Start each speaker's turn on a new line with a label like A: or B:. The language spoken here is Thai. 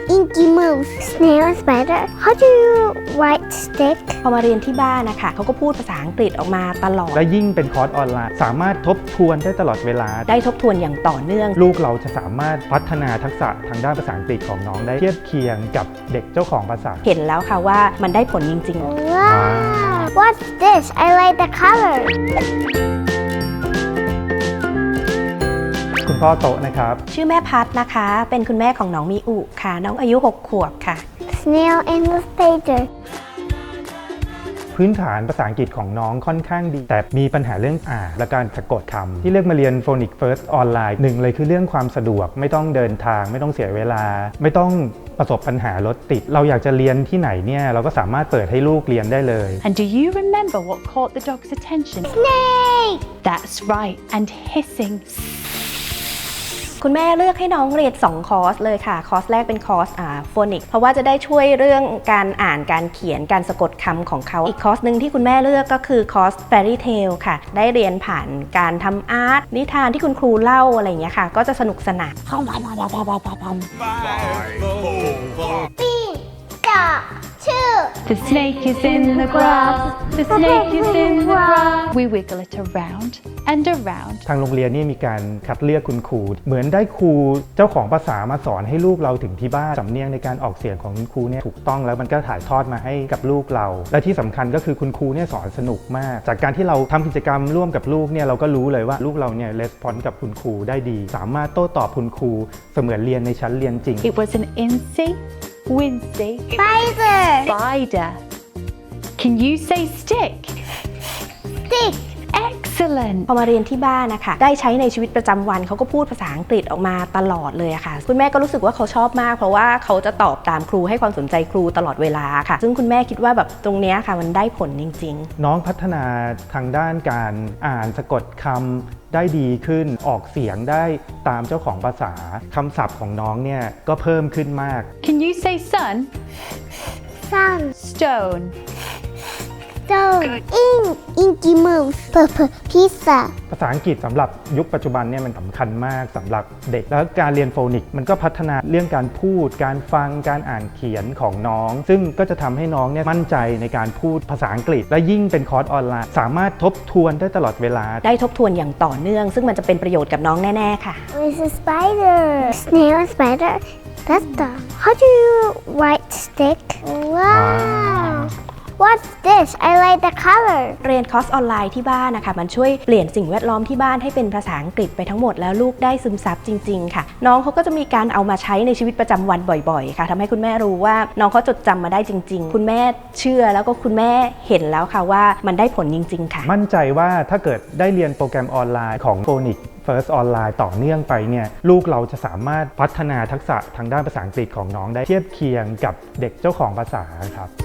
A: Inky moves. Snail and spider. How do you write stick?
B: พอมาเรียนที่บ้านนะคะเขาก็พูดภาษาอังกฤษออกมาตลอด
C: และยิ่งเป็นคอร์สออนไลน์สามารถทบทวนได้ตลอดเวลา
B: ได้ทบทวนอย่างต่อเนื่อง
C: ลูกเราจะสามารถพัฒนาทักษะทางด้านภาษาอังกฤษของน้องได้เทียบเคียงกับเด็กเจ้าของภาษา
B: เห็นแล้วค่ะว่ามันได้ผลจริงๆ
A: Wow! What's this? I like the color.
C: คุณพ่อโตะนะครับ
B: ชื่อแม่พัดนะคะเป็นคุณแม่ของน้องมิอุค่ะน้องอายุ6 ขวบค่ะ
A: Snail and the spider.
C: พื้นฐานภาษาอังกฤษของน้องค่อนข้างดีแต่มีปัญหาเรื่องอ่านและการสะกดคำที่เลือกมาเรียน Phonic First ออนไลน์หนึ่งเลยคือเรื่องความสะดวกไม่ต้องเดินทางไม่ต้องเสียเวลาไม่ต้องประสบปัญหารถติดเราอยากจะเรียนที่ไหนเนี่ยเราก็สามารถเปิดให้ลูกเรียนได้เลย
D: And do you remember what caught the dog's attention?
A: Snake!
D: That's right, and hissing.
B: คุณแม่เลือกให้น้องเรียน2 คอร์สเลยค่ะคอร์สแรกเป็นคอร์สโฟนิกเพราะว่าจะได้ช่วยเรื่องการอ่านการเขียนการสะกดคำของเขาอีกคอร์สหนึ่งที่คุณแม่เลือกก็คือคอร์ส Fairy Tale ค่ะได้เรียนผ่านการทำอาร์ตนิทานที่คุณครูเล่าอะไรอย่างเงี้ยค่ะก็จะสนุกสนาน
A: Bean, dog, two.
D: The snake is in the grass. The snake is in the grass. We wiggle it around and around.
C: ทางโรงเรียนนี่มีการคัดเลือกคุณครูเหมือนได้ครูเจ้าของภาษามาสอนให้ลูกเราถึงที่บ้านสำเนียงในการออกเสียงของคุณครูเนี่ยถูกต้องแล้วมันก็ถ่ายทอดมาให้กับลูกเราและที่สำคัญก็คือคุณครูเนี่ยสอนสนุกมากจากการที่เราทำกิจกรรมร่วมกับลูกเนี่ยเราก็รู้เลยว่าลูกเราเนี่ยレスปอนส์กับคุณครูได้ดีสามารถโต้ตอบคุณครูเสมือนเรียนในชั้นเรียนจริง
D: It was an insy, wincy
A: Spider.
D: spider. Can you say stick?
A: Stick.
D: Excellent.
B: พอมาเรียนที่บ้านนะคะได้ใช้ในชีวิตประจำวันเขาก็พูดภาษาอังกฤษออกมาตลอดเลยอะค่ะคุณแม่ก็รู้สึกว่าเขาชอบมากเพราะว่าเขาจะตอบตามครูให้ความสนใจครูตลอดเวลาค่ะซึ่งคุณแม่คิดว่าแบบตรงเนี้ยค่ะมันได้ผลจริงๆ
C: น้องพัฒนาทางด้านการอ่านสะกดคำได้ดีขึ้นออกเสียงได้ตามเจ้าของภาษาคำศัพท์ของน้องเนี่ยก็เพิ่มขึ้นมาก
D: Can you say sun?
A: Sun.
D: Stone.
A: Stone. Ink. Inky moves. Pizza.
C: ภาษาอังกฤษสำหรับยุคปัจจุบันเนี่ยมันสำคัญมากสำหรับเด็กแล้วการเรียนโฟนิกมันก็พัฒนาเรื่องการพูดการฟังการอ่านเขียนของน้องซึ่งก็จะทำให้น้องเนี่ยมั่นใจในการพูดภาษาอังกฤษและยิ่งเป็นคอร์สออนไลน์สามารถทบทวนได้ตลอดเวลา
B: ได้ทบทวนอย่างต่อเนื่องซึ่งมันจะเป็นประโยชน์กับน้องแน่ๆค่ะ
A: It's a spider. Snail and spider. That's dumb. How do you write stick? Wow. What's this? I like the color.
B: เรียนคอร์สออนไลน์ที่บ้านนะคะมันช่วยเปลี่ยนสิ่งแวดล้อมที่บ้านให้เป็นภาษาอังกฤษไปทั้งหมดแล้วลูกได้ซึมซับจริงๆค่ะน้องเขาก็จะมีการเอามาใช้ในชีวิตประจำวันบ่อยๆค่ะทำให้คุณแม่รู้ว่าน้องเขาจดจำมาได้จริงๆคุณแม่เชื่อแล้วก็คุณแม่เห็นแล้วค่ะว่ามันได้ผลจริงๆค่ะ
C: มั่นใจว่าถ้าเกิดได้เรียนโปรแกรมออนไลน์ของ Phonic First ออนไลน์ต่อเนื่องไปเนี่ยลูกเราจะสามารถพัฒนาทักษะทางด้านภาษาอังกฤษของน้องได้เทียบเคียงกับเด็กเจ้าของภาษาครับ